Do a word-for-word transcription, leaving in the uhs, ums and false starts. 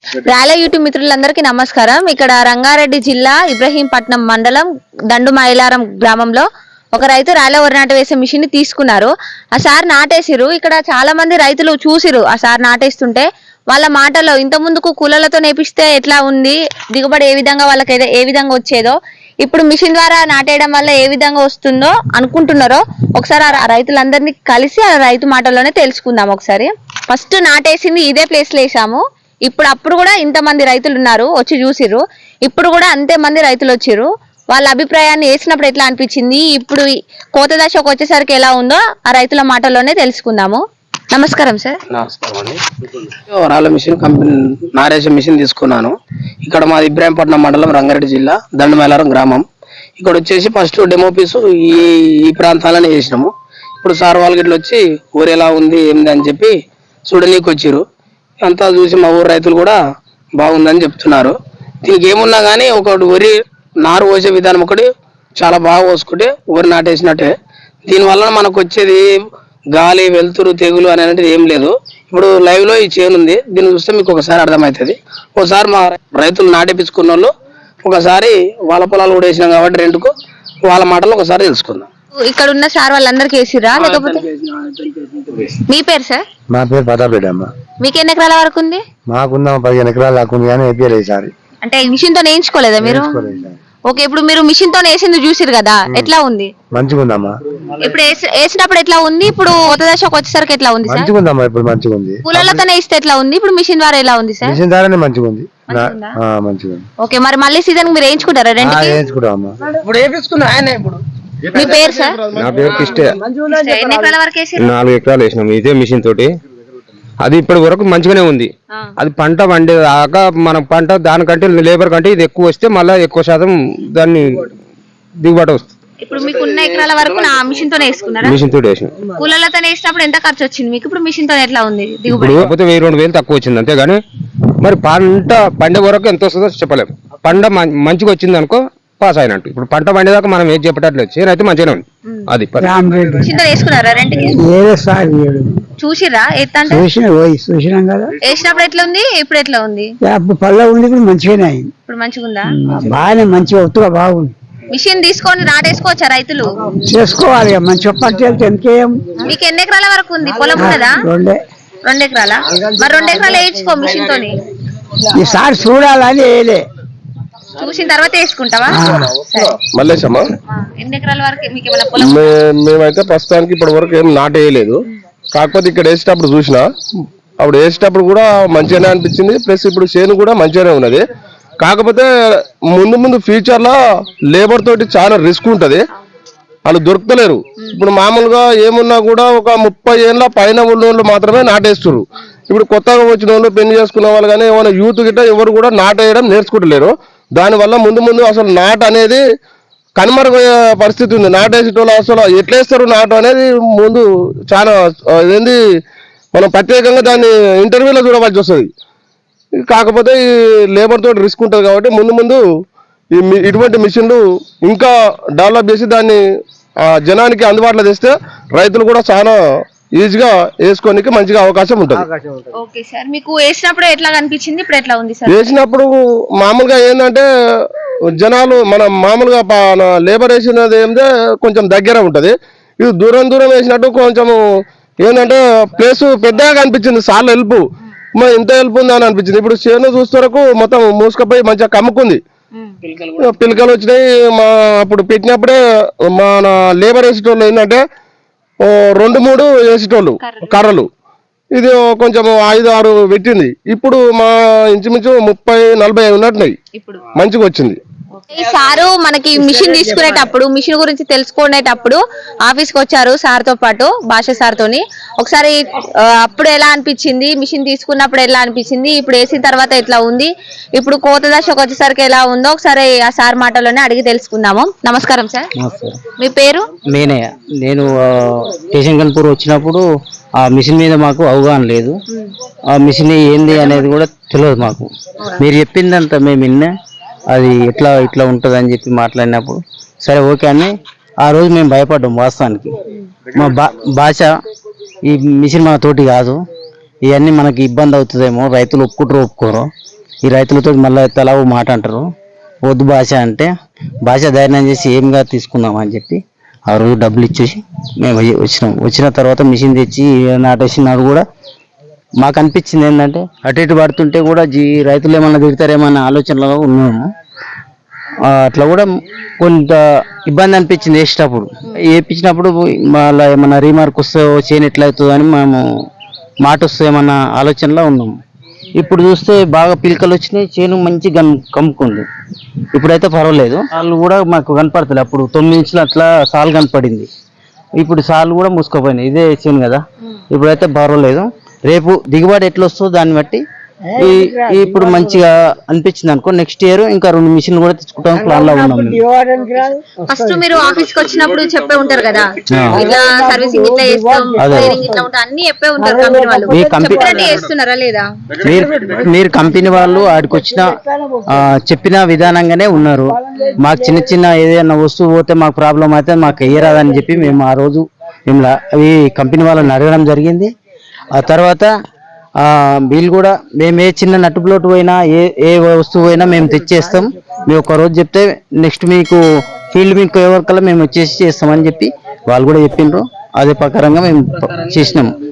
రాలే యూట్యూబ్ మిత్రులందరికీ నమస్కారం. ఇక్కడ రంగారెడ్డి జిల్లా ఇబ్రహీంపట్నం మండలం దండు మైలారం గ్రామంలో ఒక రైతు రాలే వరి నాటు వేసే మిషన్ ని తీసుకున్నారు. ఆ సార్ నాటేసిరు. ఇక్కడ చాలా మంది రైతులు చూసిరు ఆ సార్ నాటేస్తుంటే. వాళ్ళ మాటలో ఇంత ముందుకు కూలలతో నేపిస్తే ఎట్లా ఉంది, దిగుబడి ఏ విధంగా వాళ్ళకి ఏ విధంగా వచ్చేదో, ఇప్పుడు మిషన్ ద్వారా నాటేయడం వల్ల ఏ విధంగా వస్తుందో అనుకుంటున్నారో ఒకసారి ఆ రైతులందరినీ కలిసి ఆ రైతు మాటల్లోనే తెలుసుకుందాం. ఒకసారి ఫస్ట్ నాటేసింది ఇదే ప్లేస్ లో వేసాము. ఇప్పుడు అప్పుడు కూడా ఇంతమంది రైతులు ఉన్నారు వచ్చి చూసిర్రు. ఇప్పుడు కూడా అంతే మంది రైతులు వచ్చిర్రు. వాళ్ళ అభిప్రాయాన్ని వేసినప్పుడు ఎట్లా అనిపించింది, ఇప్పుడు కోత దశకు వచ్చేసరికి ఎలా ఉందో ఆ రైతుల మాటల్లోనే తెలుసుకుందాము. నమస్కారం సార్. నమస్కారం అండి. రాళ్ళ మిషన్ కంపెనీ నారేసే మిషన్ తీసుకున్నాను. ఇక్కడ మాది ఇబ్రాహీంపట్నం మండలం రంగారెడ్డి జిల్లా దండుమైలారం గ్రామం. ఇక్కడ వచ్చేసి ఫస్ట్ డెమో పీసు ఈ ఈ ప్రాంతాలనే చేసినాము. ఇప్పుడు సార్ వాళ్ళకి ఇట్లా వచ్చి ఊరు ఎలా ఉంది ఏంది అని చెప్పి చూడనీకి వచ్చిర్రు. అంతా చూసి మా ఊరు రైతులు కూడా బాగుందని చెప్తున్నారు. దీనికి ఏమున్నా కానీ ఒకటి వరి నారు పోసే విధానం ఒకటి చాలా బాగా పోసుకుంటే వరి నాటేసినట్టే. దీనివల్ల మనకు వచ్చేది గాలి వెలుతురు తెగులు అనేది ఏం లేదు. ఇప్పుడు లైవ్ లో ఈ చేను ఉంది, దీన్ని చూస్తే మీకు ఒకసారి అర్థమవుతుంది. ఒకసారి మా రైతులు నాటేపించుకున్న వాళ్ళు ఒకసారి వాళ్ళ పొలాలు కూడా వేసినాం కాబట్టి రెండుకు వాళ్ళ మాటలు ఒకసారి తెలుసుకుందాం. ఇక్కడ ఉన్న సార్ వాళ్ళందరికి వేసిరా లేకపోతే? మీ పేరు సార్? మా పేరు పదాపేట అమ్మ. మీకు ఎన్ని ఎకరాల వరకు ఉంది? మాకుందా పదిహేను ఎకరాలు లాక్కుంది కానీ వేయలేదు ఈసారి. అంటే మిషన్ తో నేర్చుకోలేదా మీరు? ఓకే, ఇప్పుడు మీరు మిషన్ తో వేసింది చూసిరు కదా, ఎట్లా ఉంది? మంచిగా ఉందమ్మా. ఇప్పుడు వేసినప్పుడు ఎట్లా ఉంది, ఇప్పుడు కొత్త దశకు వచ్చేసరికి ఎట్లా ఉంది? మంచిగా ఉందమ్మా. ఇప్పుడు మంచిగా ఉంది. కూలలతోనే ఇస్తే ఎట్లా ఉంది, ఇప్పుడు మిషన్ ద్వారా ఎలా ఉంది సార్? మిషన్ ద్వారానే మంచిగా ఉంది. మంచిగా ఉంది. ఓకే, మరి మళ్ళీ సీజన్ మీరు వేయించుకుంటారా? రెండు వేయించుకుంటామమ్మా. ఇప్పుడు వేయించుకున్నా ఆయన. ఇప్పుడు మీ పేరు సార్? నా పేరు కిష్టే. ఎన్ని ఎకరాల వరకు వేసారు? నాలుగు ఎకరాలు వేసినాం ఇదే మిషన్ తోటి. అది ఇప్పటి వరకు మంచిగానే ఉంది. అది పంట వండే దాకా మన పంట దానికంటే లేబర్ కంటే ఇది ఎక్కువ వస్తే మళ్ళీ ఎక్కువ శాతం దాన్ని దిగుబడి వస్తుంది. ఇప్పుడు మీకు ఉన్న ఎకరాల వరకు నా మిషన్ తోనే వేసుకున్నారా? మిషన్ తోటి వేసినాం. కూలలతో వేసినప్పుడు ఎంత ఖర్చు వచ్చింది మీకు? ఇప్పుడు మిషన్ తో ఎట్లా ఉంది దిగుబడి? కాకపోతే వెయ్యి రెండు వేలు తక్కువ వచ్చింది అంతేగాని మరి పంట పండే వరకు ఎంత వస్తుందో చెప్పలేము. పంట మంచిగా వచ్చింది అనుకో పాస్ అయినట్టు. ఇప్పుడు పంట పండేదాకా మనం ఏం చెప్పేటట్లు చేను అయితే మంచిగానే ఉంది. అది వేసుకున్నారా రెండుకి? చూసిరా చూసినాం కదా. వేసినప్పుడు ఎట్లా ఉంది, ఇప్పుడు ఎట్లా ఉంది? పళ్ళ ఉంది, ఇప్పుడు మంచిగానే అయింది. ఇప్పుడు మంచిగా ఉందా? బాగానే మంచిగా ఒత్తుగా బాగుంది. మిషన్ తీసుకొని నాటేసుకోవచ్చా రైతులు? చేసుకోవాలి. మంచిగా పట్టి వెళ్తే ఎంకేం. మీకు ఎన్ని ఎకరాల వరకు ఉంది పొలం? ఉన్నదా? రెండే. రెండు ఎకరాల? మరి రెండు ఎకరాలు వేయించుకో మిషన్ తోని. ఈసారి చూడాలని వేయలే, చూసిన తర్వాత వేసుకుంటావా? మల్లేశమ్మా. ఎన్ని ఎకరాల వరకు మీకు ఏమైనా పొలం? మేమైతే ప్రస్తుతానికి ఇప్పటి వరకు ఏం నాటేయలేదు. కాకపోతే ఇక్కడ వేసేటప్పుడు చూసినా, అప్పుడు వేసేటప్పుడు కూడా మంచిగానే అనిపించింది. ప్లస్ ఇప్పుడు చేను కూడా మంచిగానే ఉన్నది. కాకపోతే ముందు ముందు ఫ్యూచర్ లో లేబర్ తోటి చాలా రిస్క్ ఉంటది, వాళ్ళు దొరుకుతలేరు. ఇప్పుడు మామూలుగా ఏమున్నా కూడా ఒక ముప్పై ఏళ్ళ పైన ఉన్న వాళ్ళు మాత్రమే నాటేస్తున్నారు. ఇప్పుడు కొత్తగా వచ్చిన వాళ్ళు, పెళ్లి చేసుకున్న వాళ్ళు కానీ ఏమైనా యూత్ గిట్ట ఎవరు కూడా నాటేయడం నేర్చుకుంటలేరు. దానివల్ల ముందు ముందు అసలు నాటు అనేది కనుమరుగయ్యే పరిస్థితి ఉంది. నాటేసేటోళ్ళు అసలు ఎట్లేస్తారు నాటు అనేది ముందు చాలా ఏంది మనం ప్రత్యేకంగా దాన్ని ఇంటర్వ్యూలో చూడవలసి వస్తుంది. కాకపోతే ఈ లేబర్ తోటి రిస్క్ ఉంటుంది కాబట్టి ముందు ముందు ఈ ఇటువంటి మిషన్లు ఇంకా డెవలప్ చేసి దాన్ని జనానికి అందుబాటులో తెస్తే రైతులు కూడా చాలా ఈజీగా వేసుకోనికి మంచిగా అవకాశం ఉంటుంది. ఓకే సార్, మీకు వేసినప్పుడు ఎట్లా అనిపించింది, ఇప్పుడు ఎట్లా ఉంది సార్? వేసినప్పుడు మామూలుగా ఏంటంటే జనాలు మన మామూలుగా లేబర్ వేసినది ఏంటంటే కొంచెం దగ్గర ఉంటది. ఇది దూరం దూరం వేసినట్టు కొంచెం ఏంటంటే ప్లేస్ పెద్దగా అనిపించింది. సార్లు హెల్ప్ మరి ఇంత హెల్ప్ ఉంది అని అనిపించింది. ఇప్పుడు చేను చూస్తే వరకు మొత్తం మూసుకపోయి మంచిగా కమ్ముకుంది. పిలకలు వచ్చినాయి. మా అప్పుడు పెట్టినప్పుడే మన లేబర్ వేసేటోళ్ళు ఏంటంటే రెండు మూడు వేసేటోళ్ళు కర్రలు, ఇది కొంచెం ఐదు ఆరు పెట్టింది. ఇప్పుడు మా ఇంచుమించు ముప్పై నలభై ఉన్నట్టున్నాయి. మంచిగా వచ్చింది. ఈ సారు మనకి మిషన్ తీసుకునేటప్పుడు, మిషన్ గురించి తెలుసుకునేటప్పుడు ఆఫీస్ కి వచ్చారు సార్ తో పాటు, భాష సార్ తోని. ఒకసారి అప్పుడు ఎలా అనిపించింది, మిషన్ తీసుకున్నప్పుడు ఎలా అనిపించింది, ఇప్పుడు వేసిన తర్వాత ఎట్లా ఉంది, ఇప్పుడు కోత దశకు వచ్చేసరికి ఎలా ఉందో ఒకసారి ఆ సార్ మాటలోనే అడిగి తెలుసుకుందాము. నమస్కారం సార్. మీ పేరు? నేనే. నేను స్టేషన్ కన్పూర్ వచ్చినప్పుడు ఆ మిషన్ మీద మాకు అవగాహన లేదు. ఆ మిషన్ ఏంది అనేది కూడా తెలియదు మాకు. మీరు చెప్పిందంతా మేము విన్నా, అది ఎట్లా ఇట్లా ఉంటుంది అని చెప్పి మాట్లాడినప్పుడు సరే ఓకే అని ఆ రోజు మేము భయపడ్డాం. వాస్తవానికి మా బా భాష ఈ మిషన్ మన తోటి కాదు, ఇవన్నీ మనకి ఇబ్బంది అవుతుందేమో, రైతులు ఒప్పుకుంటారు ఒప్పుకోరు, ఈ రైతులతో మళ్ళీ తలా ఓ మాట అంటారు, వద్దు భాష అంటే భాష ధైర్యం చేసి ఏంగా తీసుకుందాం అని చెప్పి ఆ రోజు డబ్బులు ఇచ్చేసి మేము వచ్చినాం. వచ్చిన తర్వాత మిషన్ తెచ్చి నాటేసినాడు కూడా మాకు అనిపించింది ఏంటంటే అటు ఇటు పడుతుంటే కూడా జీ రైతులు ఏమన్నా తిడతారేమన్న ఆలోచనలో ఉన్నాము. ఆ, అట్లా కూడా కొంత ఇబ్బంది అనిపించింది వేసేటప్పుడు. వేయించినప్పుడు మళ్ళీ ఏమన్నా రీమార్క్ వస్తే చేయని ఎట్లా అవుతుంది అని మేము మాట వస్తే ఏమన్నా ఆలోచనలో ఉన్నాము. ఇప్పుడు చూస్తే బాగా పిలకలు వచ్చినాయి, చేను మంచి గన్ కమ్ముకుంది. ఇప్పుడైతే పర్వాలేదు, సాలు కూడా మాకు కనపడతలే. అప్పుడు తొమ్మిది ఇంచులు అట్లా సాలు కనపడింది, ఇప్పుడు సాలు కూడా మూసుకుపోయినాయి. ఇదే చేను కదా, ఇప్పుడైతే పర్వాలేదు. రేపు దిగుబడి ఎట్లా వస్తుందో దాన్ని బట్టి ఈ ఇప్పుడు మంచిగా అనిపించింది అనుకో, నెక్స్ట్ ఇయర్ ఇంకా రెండు మిషన్లు కూడా తెచ్చుకుంటాం ప్లాన్ లో ఉన్నాం. ఫస్ట్ మీరు ఆఫీస్ కి వచ్చినప్పుడు చెప్పే ఉంటారు కదా, ఇట్లా సర్వీసింగ్ ఇట్లా చేస్తాం, ట్రైనింగ్ ఇట్లా ఉంటాం అన్ని చెప్పే ఉంటారు కంపెనీ వాళ్ళు. మీ కంపెనీ చెప్పినట్టు చేస్తున్నారా లేదా? మీరు మీరు కంపెనీ వాళ్ళు ఆడికి వచ్చిన ఆ, చెప్పిన విధానంగానే ఉన్నారు. మాకు చిన్న చిన్న ఏదైనా వస్తువు పోతే మాకు ప్రాబ్లం అయితే మాకు వేయరాదని చెప్పి మేము ఆ రోజు మేము ఈ కంపెనీ వాళ్ళని అడగడం జరిగింది. ఆ తర్వాత ఆ వీళ్ళు కూడా మేము ఏ చిన్న నట్టు ప్లోట్ పోయినా ఏ ఏ వస్తువు అయినా మేము తెచ్చేస్తాం, మేము ఒక రోజు చెప్తే నెక్స్ట్ మీకు ఫీల్డ్ మీకు ఎవరికల్లా మేము వచ్చేసి చేస్తామని చెప్పి వాళ్ళు కూడా చెప్పిండ్రు. అదే ప్రకారంగా మేము చేసినాము.